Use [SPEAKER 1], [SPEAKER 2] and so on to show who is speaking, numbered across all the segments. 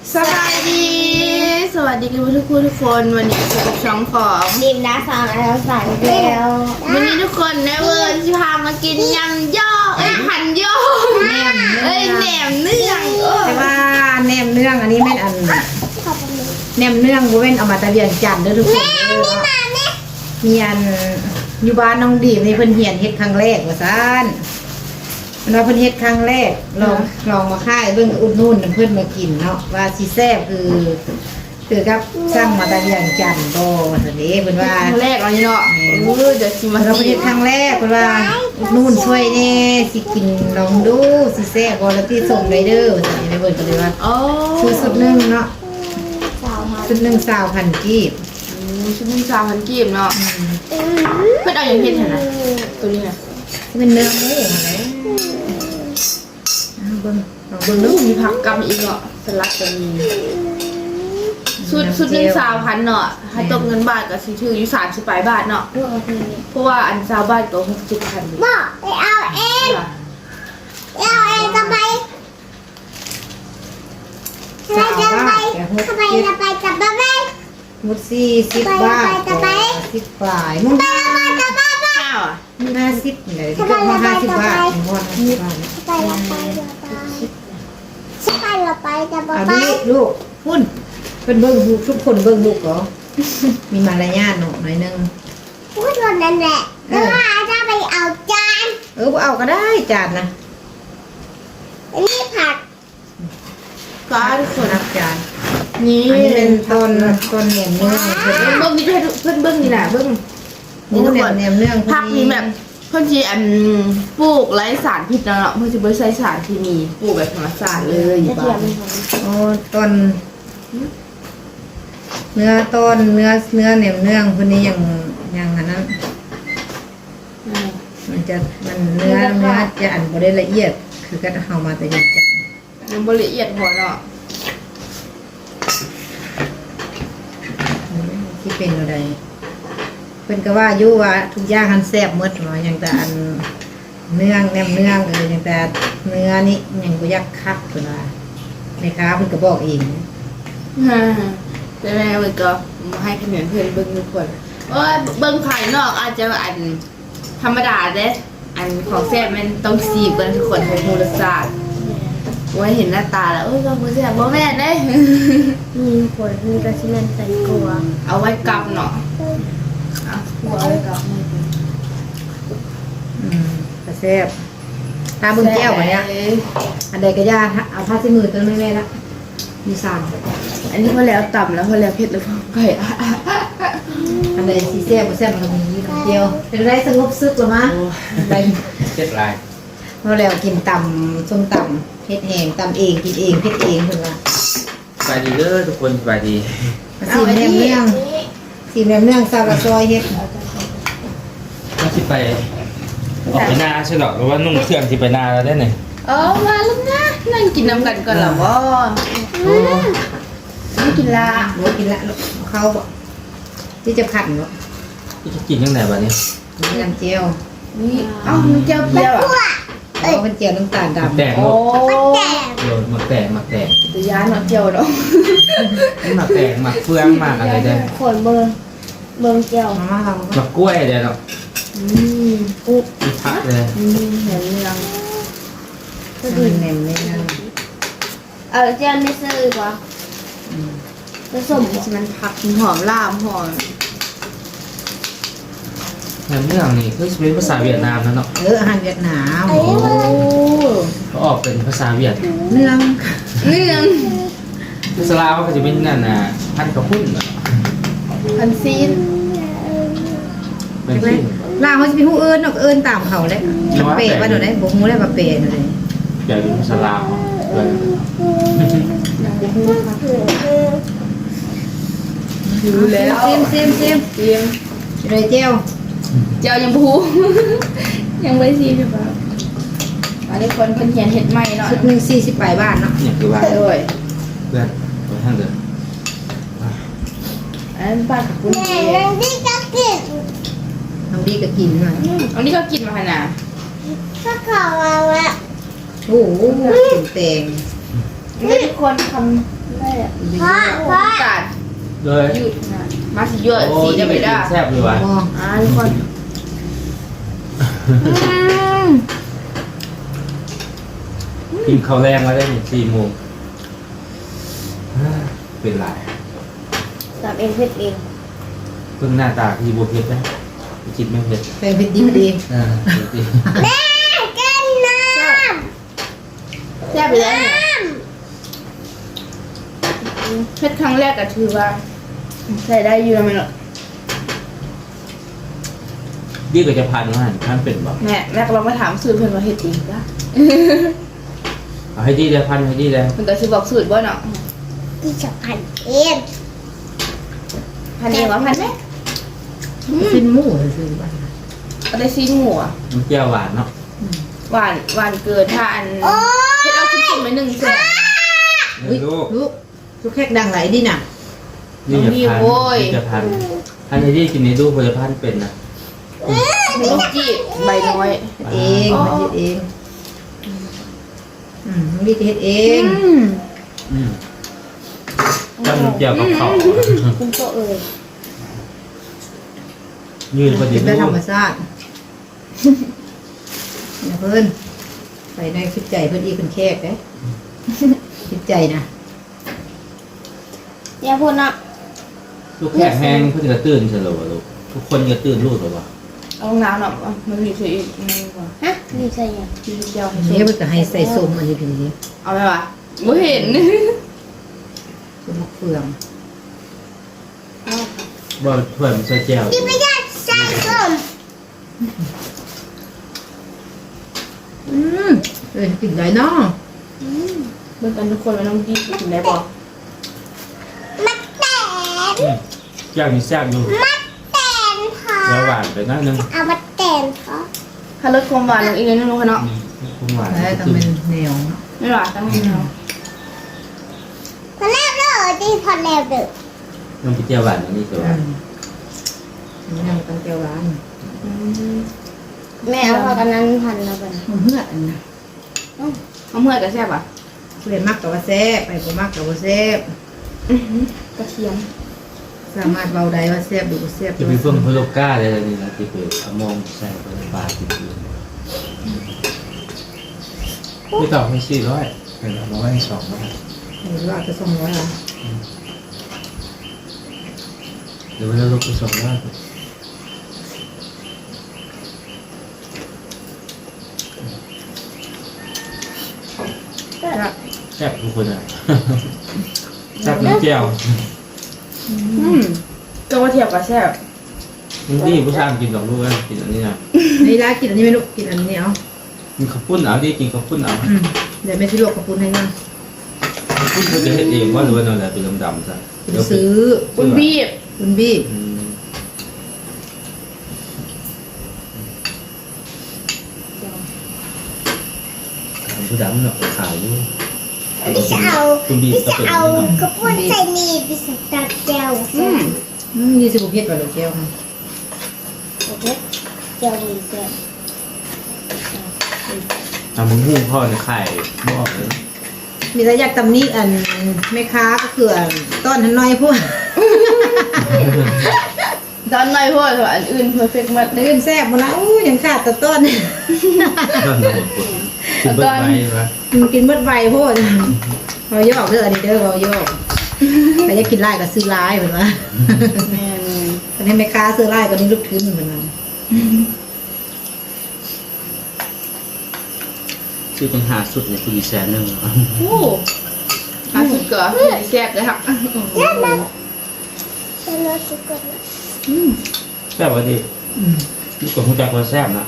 [SPEAKER 1] สบายดีสวัสดีทุกคนวันนี้เป็นช่องของ
[SPEAKER 2] ดิมนะสอนแล้วสอนแล้ว
[SPEAKER 1] วันนี้ทุกคนในเวิร์นจะพามากินยำย่อหันย่อแหนมเนื้อง
[SPEAKER 3] แต่ว่าแหนมเนื้องอันนี้แม่นอันแหนมเนื้องบ่แม่นเอามาตะเวียนจันทร์เด้อทุกคนมีอันอยู่บ้านน้องดีนี่เพิ่นเฮียนเฮ็ดครั้งแรกว่าซั่นเราเพิ่นเฮ็ดครั้งแรกลองมาค่ายเบิ่งอุดหนุนเพิ่นมากินเนาะว่าสิแซ่บคือกับสร้างมาตะเวียนจันทร์บ่ว่าซั่นเด้เพิ่นว่า
[SPEAKER 1] ครั้งแรกเราเนาะเดี๋ยวชิมมา
[SPEAKER 3] เราเฮ็ดครั้งแรกเพิ่นว่าอุดหนุนช่วยแน่สิกินลองดูสิแซ่บบ่แล้วที่ส่งได้เด้อว่าซั่นนี่เพิ่นก็เลยว่า
[SPEAKER 1] อ๋อ
[SPEAKER 3] ซื้อสุดนึงเนาะสุดนึง20,000กีบ
[SPEAKER 1] ชุดนึง3,000กีบเนาะเพิ่นเอาอย่างเฮ็ดหั่นน่ะตัวนี้น่ะ
[SPEAKER 3] เป็นเนื้อหมูอะไรเบิ่งลองเบิ่งดู
[SPEAKER 1] มีผักกำอีกเนาะสลัดก็มีชุดนึง3,000เนาะให้ตกเงินบาทก็สิถืออยู่30ปลายบาทเนาะเพราะว่าอัน20บาทก็60,000
[SPEAKER 2] บอกไปเอาเองจะไป
[SPEAKER 3] สาวบาทแกหกสิบ
[SPEAKER 2] จะไปจะไป
[SPEAKER 3] หมด40 บาท10ปลายมึง
[SPEAKER 1] ข้าวอ่ะ
[SPEAKER 3] 50นี่แหละที่ก็มา50 บาทหมด50 บาท
[SPEAKER 2] ไปเราไปจะไป
[SPEAKER 3] เอาดิลูกหุ่นเป็นเบิ่งลูกทุกคนเบิ่งลูกเหรอมีมารยาทหน่อยนึง
[SPEAKER 2] พูดวันนั้นแหละแล้วจะไปเอาจาน
[SPEAKER 3] บ่เอาก็ได้จานนะ
[SPEAKER 2] นี่ผัก
[SPEAKER 1] ก็ทุกคน
[SPEAKER 3] นับจาน
[SPEAKER 1] นี่
[SPEAKER 3] อันนี้เป็นต้นแหนมเนื้อเพิ่น
[SPEAKER 1] เบิ้งนี่ให้เพื่อนเบิ้งนี่แหละเบิ้ง
[SPEAKER 3] นี่ทุกคนแหนมเนื้อ
[SPEAKER 1] ผักนี่แบบเพื่อนที่ปลูกไร้สารพิษเนาะเพื่อนจะไม่ใช้สารที่มีปลูกแบบธรรมชาติเลยอยู่บ้าน
[SPEAKER 3] โอ้ต้นเนื้อต้นเนื้อแหนมเนื้อคนนี้อย่างอันนั้นมันเนื้อจะอันบ่ได้ละเอียดคือก็เอามาแต่ยังจัง
[SPEAKER 1] ยังบละเอียดพอเนาะ
[SPEAKER 3] ที่เป็นอะไรเป็นก็ว่าอยู่ว่าทุกอย่างหันแซ่บหมดเนาะอย่างแต่อันเนื้อแหนมเนื้ออย่างแต่เนื้อนี่ยังบ่อยากคักเพิ่นว่าแม่ค้าเพิ่นก็บอกเอง
[SPEAKER 1] แต่แม่เบิ้งก็ให้คะแนนเพื่อนเบิ้งทุกคนเบิ้งภายนอกอาจจะอันธรรมดาเด้อันของแซ่บมันต้องสีกันทุกคนให้มูลค่าไว้เห็นหน้าตาแล้วก็มือแซ่บบ่แม่นเด้
[SPEAKER 2] มีผลมีกระชิมันใส่กลัว
[SPEAKER 1] เอาไว้กลับเนาะเอาไว้กลับ
[SPEAKER 3] กระแซบตาเบิ่งแก้วกว่านี้อันใดก็ยาเอาผ้าเช็ดมือตัวแม่ละมีสาม
[SPEAKER 1] อันนี้พอแล้วต่ำแล้วพอแล้วเผ็ดแล้วพอไป
[SPEAKER 3] อันใดสีแซ่บบ่แซ่บมันก็มีเดียวเป็นไรสงบซึกหรือมั้งไป
[SPEAKER 4] เจ็ดลาย
[SPEAKER 3] พอแล้วกินตำส้มตำเฮ็ดแห้งตำเองกินเองเฮ็ดเองเพิ่นว่า
[SPEAKER 4] สบายดีเด้อทุกคนสบายดี
[SPEAKER 3] สีแหนมเนืองสีแหนมเนืองซาลาซอยเฮ็ด
[SPEAKER 4] ก็ที่ไปออกไปนาใช่หรอหรือว่านุ่งเครื่องที่ไปนาแล้วได้ไหน
[SPEAKER 1] มาแล้วนะนั่งกินน้ำกันก่อนเหรอวะไม่กินละ
[SPEAKER 3] บ่กินละเขาบ่ที่จะผัดบ่
[SPEAKER 4] ที่จะกินยังไงบ้านี้
[SPEAKER 3] น้ำเจียว
[SPEAKER 1] นี่มันเจียวเปรี้ยวอ่ะ
[SPEAKER 3] อ๋อเป็นเจียวน้ำตาลดำ
[SPEAKER 4] แตก
[SPEAKER 1] โอ้
[SPEAKER 4] โดนหมักแตก
[SPEAKER 1] ตัวยาเนาะเจียวเนาะ
[SPEAKER 4] หมักแตกหมักเฟืองหมักอะไรเด้อ
[SPEAKER 2] ขนเบอร์เจียว
[SPEAKER 3] มาเรา
[SPEAKER 4] หมักกล้วยเด้อเนาะ
[SPEAKER 1] อุ๊บ
[SPEAKER 4] มีพักเลย
[SPEAKER 1] เห็นยัง
[SPEAKER 3] ก็ดีแหนมเนือง
[SPEAKER 2] เจียวไม่ซื้อกว่าผสม
[SPEAKER 1] มันผักหอมล่ามหอม
[SPEAKER 4] เรื่องนี่คือเป็นภาษาเวียดนามนะเนาะ
[SPEAKER 3] อาหารเวียดนาม
[SPEAKER 4] เขาออกเป็นภาษาเวียด
[SPEAKER 3] เนือง
[SPEAKER 1] เรื่อง
[SPEAKER 4] ภาษาลาวก็จะเป็นนั่นน่ะพันกระพุ่น
[SPEAKER 1] พันซีน
[SPEAKER 4] เป็นที่
[SPEAKER 3] ลาวเขาจะเป็นผู้เอิญเนาะเอิญตามเขาแหละเปะว่าเดี๋ยวได้บ่ฮู้ได้ว่าเปะนั่นเลย
[SPEAKER 4] ใหญ่เป็นภาษาลาวเลย
[SPEAKER 1] อยู่แล้ว
[SPEAKER 3] ซิม
[SPEAKER 1] เตรียม
[SPEAKER 3] เลยเจียว
[SPEAKER 1] เจียวยังพู ยังไม่ซีใช่ปะอันนี้คนเขียนเห็ดใหม่เนาะ
[SPEAKER 3] ชุดหนึง40ปลายบาทเนาะ
[SPEAKER 4] เนี่ยคือว่า
[SPEAKER 1] ด้วย
[SPEAKER 4] เพื่อนไปทางเดิน
[SPEAKER 1] อันนั้นปลากับกุ้ง
[SPEAKER 2] แม่นั่งที่จะกิน
[SPEAKER 3] น้ำดีก็กินมา
[SPEAKER 1] อันนี้ก็กินมาขนาด
[SPEAKER 2] ก็ขอมาแล้ว
[SPEAKER 3] โอ้โหกินแตง
[SPEAKER 1] ทุกคนทำ
[SPEAKER 2] เลยพ่อพ่อ
[SPEAKER 1] การ
[SPEAKER 4] เลย
[SPEAKER 1] ยืดนะมาสิเยอะ
[SPEAKER 4] โอ้
[SPEAKER 1] สี
[SPEAKER 4] ที่
[SPEAKER 1] จะ
[SPEAKER 4] ไป
[SPEAKER 1] ไม่
[SPEAKER 4] กิ
[SPEAKER 1] ได้
[SPEAKER 4] นแซ่บเลยวะ
[SPEAKER 3] อ๋อ
[SPEAKER 1] ทุกคน
[SPEAKER 4] กินข้าวแรงมาได้4 โมงเป็นไร
[SPEAKER 2] ทำเองเพ็ดเอง
[SPEAKER 4] เพิ่งหน้าตาที่โบเพ็ดนะจิตไม่เพ็ด
[SPEAKER 3] ไปเผ็ดดีพอดี
[SPEAKER 4] ดี
[SPEAKER 2] แม่กินน้
[SPEAKER 1] แซ่บไปแล้วเนี่ยเพชรครั้งแรกก็ถือว่าใส่ได้อยู่แล้วไหมล่ะ
[SPEAKER 4] ดีกว่าจะพันว่าท่านเป็นแบบ
[SPEAKER 1] แม่ก็ลองมาถามสูตรเพิ่นว่าเฮ็ดเองจ้ะ
[SPEAKER 4] เอาให้ดีเลยพันให้ดีเลย
[SPEAKER 1] เพิ่นก็สิบอกสูตรบ่เนาะ
[SPEAKER 2] ำพี่จะพันเอง
[SPEAKER 1] พันเองว่าพันไหม
[SPEAKER 3] สิ้นหมูซื้อบ้าน
[SPEAKER 1] ก็ได้ซีนหัว
[SPEAKER 4] มันเจียวหวานเนาะ
[SPEAKER 1] หวานเกินถ้าอันเฮ็ดเอาชิ้นๆไว้หนึ่งแซ่บ
[SPEAKER 3] อุ้ย
[SPEAKER 4] ลูก
[SPEAKER 3] ลูกแขกดังไหลดิน่ะ
[SPEAKER 4] นี่จะพันพันให้ดีกินในดูพลพันเป็นนะ
[SPEAKER 1] ลูกจีบใบน้อย
[SPEAKER 3] เองมันเฮ็ดเองน้องดีจะเฮ็ดเอง
[SPEAKER 4] จำเจียวกับเขา
[SPEAKER 2] คุณโตเอ่ย
[SPEAKER 4] ยืนพอดี
[SPEAKER 3] เป็นได้
[SPEAKER 4] ลู
[SPEAKER 3] ธร
[SPEAKER 4] ก
[SPEAKER 3] รมชาติอย่าเพิ่นใส่ในคิดใจเพิ่นอีกเป็นแขกเด้คิดใจนะ
[SPEAKER 2] อย่าพูดนะ
[SPEAKER 4] ลูกแขกแห้งเพื่อนจะตื่นเฉลยวะลูกทุกคนจะตื่นลูกหรอวะ
[SPEAKER 1] เอาน้ำเนาะมันมีช่วยอีกนึงว่า
[SPEAKER 2] ฮะนี่ใช่ยัง
[SPEAKER 1] พี่เจียวให้
[SPEAKER 3] นี่เพิ่นก็ให้ใส่ส้มอันนี้พี่นี่
[SPEAKER 1] เอาไหมวะบ่เห็น
[SPEAKER 3] ส้มมะเฟือง
[SPEAKER 4] บ่ถ้วยมันใส่แก้ว
[SPEAKER 2] พี่ไม่ได้ใส่ส้ม
[SPEAKER 3] กินได้เนาะ
[SPEAKER 1] เบิ่งกันทุกคนว่าน้องดีกินได้บ่
[SPEAKER 2] มัดแตน
[SPEAKER 4] แก้วมีแซ่บอยู่
[SPEAKER 2] มัดแตนพอ
[SPEAKER 4] แล้วหวานไปนิดนึง
[SPEAKER 2] เอามัดแตนพอ
[SPEAKER 1] ถ้าลดความหวานลงอีกนิดนึงเนาะ
[SPEAKER 4] คงหวาน
[SPEAKER 3] แล้วต้องเป็นแนวเนาะ
[SPEAKER 1] ไม่หวานตั้งนิดเนาะ
[SPEAKER 2] พอแล้วเด้อดีพอแล้วเด้อ
[SPEAKER 4] น้ำพริกเจียวหวานอันนี้คือว่า
[SPEAKER 3] แนวตั้งแก้วร้าน
[SPEAKER 2] แม่เอาพอกันนั้นพันแล้วกัน
[SPEAKER 3] มันเหือดอันนะ
[SPEAKER 1] เอาเมื่อยกับแซ่บอ่ะ
[SPEAKER 3] ผู้ใดมักกับว่าแซ่บไปบ่มักกับว่าแซ่บ
[SPEAKER 1] กระเทียม
[SPEAKER 3] สามารถเบาได้ว่าแซ่บหรือบ่แซ่บ
[SPEAKER 4] จะมีเฟื่องพะโลก้าอะไรนี่นะที่เป็นเอามองใส่ไปในปลาติดอยู่ไม่ต่อให้400เป็นเอามาไว้200
[SPEAKER 3] หรือว่าจะส่งร้อยอ่ะ
[SPEAKER 4] เดี๋ยวเราลดไป200แซ่บทุกคนอ่ะแซ่บน้ำเจียว
[SPEAKER 1] ก็ว่าเทียบกับแซ่บ
[SPEAKER 4] มึงดีผู้ชายกิน2 ลูกกันกินอันนี้นะ
[SPEAKER 3] นี่ร้านกินอันนี้ไหม่ลูกกินอันนี้เอา
[SPEAKER 4] กินข้าวปุ้นเอาดิกินข้าวปุ้นเอา
[SPEAKER 3] เดี๋ยวแม่ที่ลวกกระปุนให้นะ
[SPEAKER 4] ข้าวปุ้นเขาจะเฮ็ดเองว่าหรือว่าเราจะเป็นดำๆซะ
[SPEAKER 3] ซื้อ
[SPEAKER 1] คุณบีบ
[SPEAKER 3] คุณบี้
[SPEAKER 4] ผู้ดำเนาะขาวอยู่
[SPEAKER 2] พี่จะเอา
[SPEAKER 4] คุณบี
[SPEAKER 2] พี่
[SPEAKER 4] ก็
[SPEAKER 2] จะ
[SPEAKER 4] เป็น
[SPEAKER 2] เอากระปุกใส่นี่พี่จะตัดแก้วใส่
[SPEAKER 3] นี่สิบุเพชรว่าลูกแก้วค่ะ
[SPEAKER 2] โอเคแก้วดีแก้ว
[SPEAKER 4] ทำมึงหู้พ่อในไข่บอกเลย
[SPEAKER 3] มีแต่อยากตำหนี้อันแม่ค้าก็คืออันต้นทันน้อยพวก
[SPEAKER 1] ตอนไม่พูดอันอื่นเพอร์เฟกต์มาก
[SPEAKER 3] ตื่นแซ่บหมดแล้วอู้ยังขาดแต่ต้น
[SPEAKER 4] ต้นหมดกินเบิร์ดไว้ไหม
[SPEAKER 3] กินเบิดไวโพดเราโยกเด้ออันนี้เด้อเราโยกใครอยากกินไล่ก็ซื้อไล่เหมือนว่า
[SPEAKER 1] แม่น
[SPEAKER 3] ตอนนี้แม่ค้าซื้อไล่ก็นี่ลูกทุนเหมือนว่า
[SPEAKER 4] ชื่อเป็นหาสุดในคือ100,000
[SPEAKER 1] โอ้อาสุดก็แซ่บเลยค่ะ
[SPEAKER 2] เป็นรสสุกนะ
[SPEAKER 4] แซ่บวะดินี่กดหัวใจคนแซ่บนะ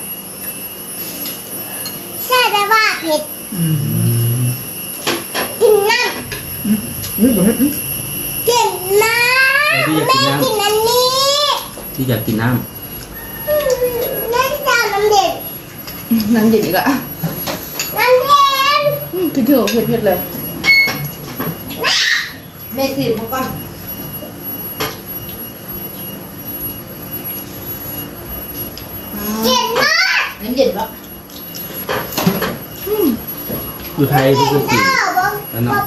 [SPEAKER 2] ใช่แต่ว่าเผ็ดกินน้ำ
[SPEAKER 3] นี่บ่ฮะ
[SPEAKER 2] กินน้ำแม่กินอันนี้
[SPEAKER 4] ที่อยากกินน้
[SPEAKER 2] แม่จะเอาน้ำเด็ด
[SPEAKER 1] น้ำเย็นอีกละ
[SPEAKER 2] น้ำเย็น
[SPEAKER 1] คือถือว่าเผ็ดๆเลย
[SPEAKER 3] แม่สิมาก่อน
[SPEAKER 2] เย็นมาก
[SPEAKER 3] น้ำเย็นปะ
[SPEAKER 4] ำอยู่ไทยที่คือกิน
[SPEAKER 2] ข้าวบ้าง
[SPEAKER 3] ต
[SPEAKER 4] แล้วเนาะ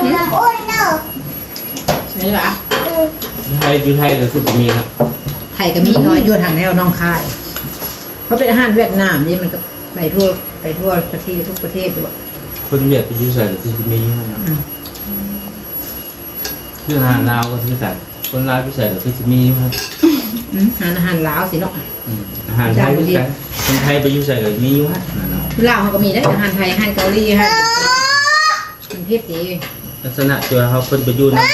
[SPEAKER 1] นี่เหรอ
[SPEAKER 4] ไทยอยู่ไทยก็คือจะมีครับ
[SPEAKER 3] ไทยก็มีน้อยอยู่ทางแนวน้องคายเพราะเป็นอาหารเวียดนามนี่มันก็ไปทั่วประเทศทุกประเทศด้วย
[SPEAKER 4] คนเวียดไปอยู่ใส่ก็คือจะมีอยู่นะเรื่องอาหารลาวก็คือกันคนลาวพิเศษก็คือจะมีอยู่ครับ
[SPEAKER 3] อาหารลาวสิเนาะ
[SPEAKER 4] อาหารไทยคือกันคนไทยไปอยู่ใส่ก็มีอยู่ฮะนั่นเนาะ
[SPEAKER 3] ลาวเขาก็มีได้อาหารไทยอาหารเกาหลีอาหารมันเทศดี
[SPEAKER 4] ลักษณะตัวเขาคนไปอยู่นะ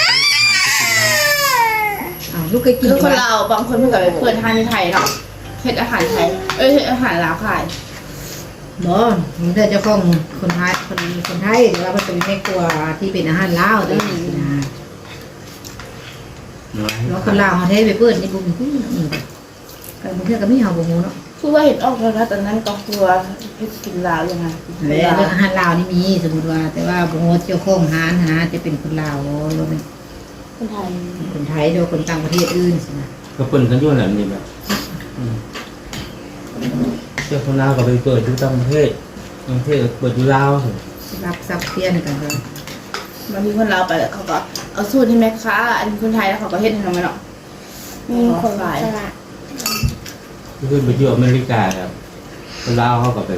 [SPEAKER 3] อ้าวลูกเคยกิน
[SPEAKER 1] คือคน
[SPEAKER 3] ไหม
[SPEAKER 1] เราบางคนเพื่อนกับเพื่อนทานในไทยเนาะเฮ็ดอาหารไทยเฮ็ดอาหารลาวขาย
[SPEAKER 3] บ่มันเธอเจ้าของคนไทยคนไทยหรือว่ามันเป็นแม่ครัวที่เป็นอาหารลาวตัวนี้นะ
[SPEAKER 4] น้อย
[SPEAKER 3] แล้วคนลาวเขาเทศไปเปิดในกลุ่มที่นี่ก็บางทีก็ไม่เอาบ่ฮู้เนาะ
[SPEAKER 1] คือว่าเห็นออกแล้วนะตอนนั้นก็คือว่าเฮ็ดกินลาวยังไง
[SPEAKER 3] แล้วอาหารลาวนี่มีสมมุติว่า แต่ว่าบ่ฮู้เจ้าของร้านนะจะเป็นคนลาวหรือเป็น
[SPEAKER 2] คนไทย
[SPEAKER 3] คนไทยหรือคนต่างประเทศอื่นสินะ
[SPEAKER 4] ก็เปิ่นกันอยู่แบบนี้แบบเจ้าคนลาวก็ไปเปิดอยู่ต่างประเทศต่างประเทศก็เปิดอยู่ลาวสิ
[SPEAKER 3] รับซับเพี้ยนกันเลย
[SPEAKER 1] บางทีคนลาวไปแล้วเขาก็เอาสูตรให้แม่ค้าอันคนไทยแล้วเขาก็เฮ็ดให้ทำไมเนาะ
[SPEAKER 2] มีคนขาย
[SPEAKER 4] คือไปอยู่อเมริกาครับคนลาวเขาก็ไป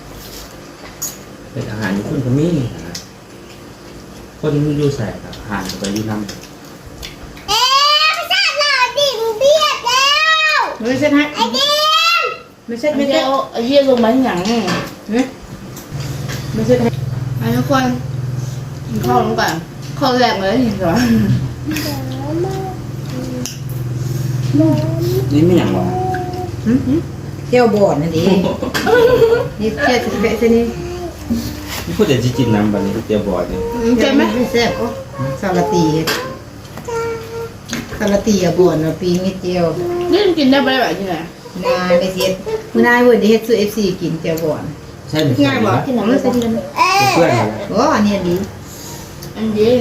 [SPEAKER 4] เป็นอาหารญี่ปุ่นก็มีนะคนอยู่ใส่ครับอาหารก็ไปอยู่นำ
[SPEAKER 3] ไม่ใช่ให้ไม่ใช่
[SPEAKER 1] ไม่
[SPEAKER 3] ไม่
[SPEAKER 1] ได้
[SPEAKER 3] ใช่
[SPEAKER 1] เอาเยี่ยลงมาที่หยัง
[SPEAKER 3] ไม่ใช่ให้
[SPEAKER 1] อันทุกคนกินข้าวลงก่อนข้าวแรกเลยนี่เหรอ
[SPEAKER 4] นี่ไม่อย่างหรอ
[SPEAKER 3] เที่ยวบ่อนนั่นเองนี่เที่ยวเส้นนี้
[SPEAKER 4] นี่พูดแต่จริงๆน้ำบันนี้เจียวบอดเนี่ย
[SPEAKER 1] เจ็บไหม
[SPEAKER 3] ไม่แซ่บก็ซาลาตีซาลาตีอะบ่อนปีนี้เจียว
[SPEAKER 1] นี่กินได้ไหมแบบนี้ไหน
[SPEAKER 3] นายไม่เสียมื้อนายเว้ยได้เฮ็ดซื้อ FC กินเจียวบ่อน
[SPEAKER 4] ใช่ไหม
[SPEAKER 1] ง่ายบ่
[SPEAKER 3] กินน้ำมันใส่ดี
[SPEAKER 4] เพื่อนอะไร
[SPEAKER 3] โอ้อันนี้ดี
[SPEAKER 1] อันนี้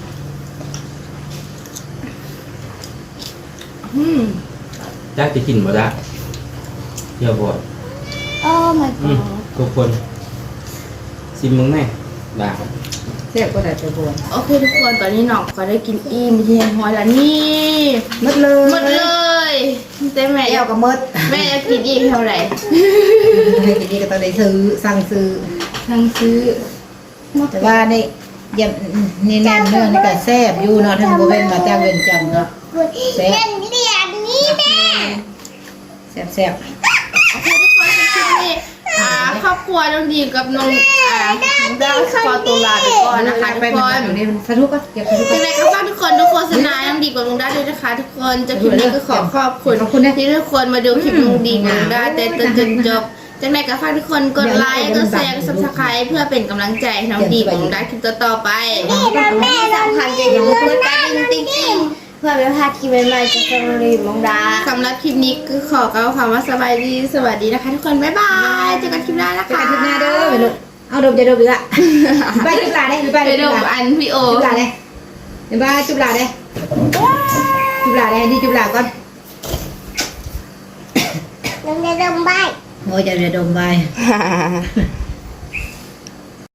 [SPEAKER 4] จ้าจะกินบ่ได้เจียวบอด
[SPEAKER 2] โอ้ my
[SPEAKER 4] ทุกคนซิมมึงแม่บ้า
[SPEAKER 3] แซ่บก็ได้เจียวบ่อน
[SPEAKER 1] โอเคทุกคนตอนนี้หนอกก็ได้กินอิ่มที่แห้งหอยแล้วนี่
[SPEAKER 3] หมดเลย
[SPEAKER 1] หมดเลยแต่แม่
[SPEAKER 3] แก้วก็หมด
[SPEAKER 1] แม่อยากกินอีกเท่าไหร่
[SPEAKER 3] ให้กินนี่ก็ต้องได้ซื้อสั่งซื้อ
[SPEAKER 1] ทั้งซื้อ
[SPEAKER 3] แต่ว่าในยำนี่แน่นเนื้อนี่ก็แซ่บอยู่เนาะทั้งบ่เว้นมาจากเวียงจันทน์เนาะแซ่บ
[SPEAKER 2] เหรียญนี้แม่
[SPEAKER 3] แซ่บ
[SPEAKER 1] โอเคทุกคนคลิปนี้ครอบครัวน้องดีกับน้องดาวสปอร์ตัวลาไปก่อนนะคะทุกคน
[SPEAKER 3] อยู่ในสะทุกก็เก็บสะทุก
[SPEAKER 1] ยังไงก็ฝากทุกคนทุกโฆษณาน้องดีกับน้องดาด้วยนะคะ ทุกคนจะคลิปนี้ก็ขอขอบคุณที่ทุกคนมาดูคลิปน้องดีกับน้องดาแต่จนจบจังไงก็ฝากทุกคนกดไลค์กดแชร์กด Subscribe เพื่อเป็นกำลังใจให้น้องดีกับน้องดาคลิปต่อไป
[SPEAKER 2] แม่สำคัญจะอย่าลืมกดกระดิ่งติ๊งๆเพื่อไม่พลาดคลิปใหม่ๆจากช่องรีบมองดา
[SPEAKER 1] สำหรับคลิปนี้ก็ขอกล่าวคำว่าสบายดีสวัสดีนะคะ ทุกคนบ๊ายบายเจอกันคลิปหน้านะ
[SPEAKER 3] ไป
[SPEAKER 1] คะ
[SPEAKER 3] กันทุกหน้าเด้อไปลูกเอาดมจะดมอีกละไปจุบลาได้ไป
[SPEAKER 1] ไป
[SPEAKER 3] จุ
[SPEAKER 1] ดู
[SPEAKER 3] บลา
[SPEAKER 1] อันพี่โอ
[SPEAKER 3] จุบลาได้เดี๋ยวไปจุบลาได้จุบลาได้ที่จุบลาก่อน
[SPEAKER 2] น้องได้ดมใบ
[SPEAKER 3] โอ้ยจะดมไป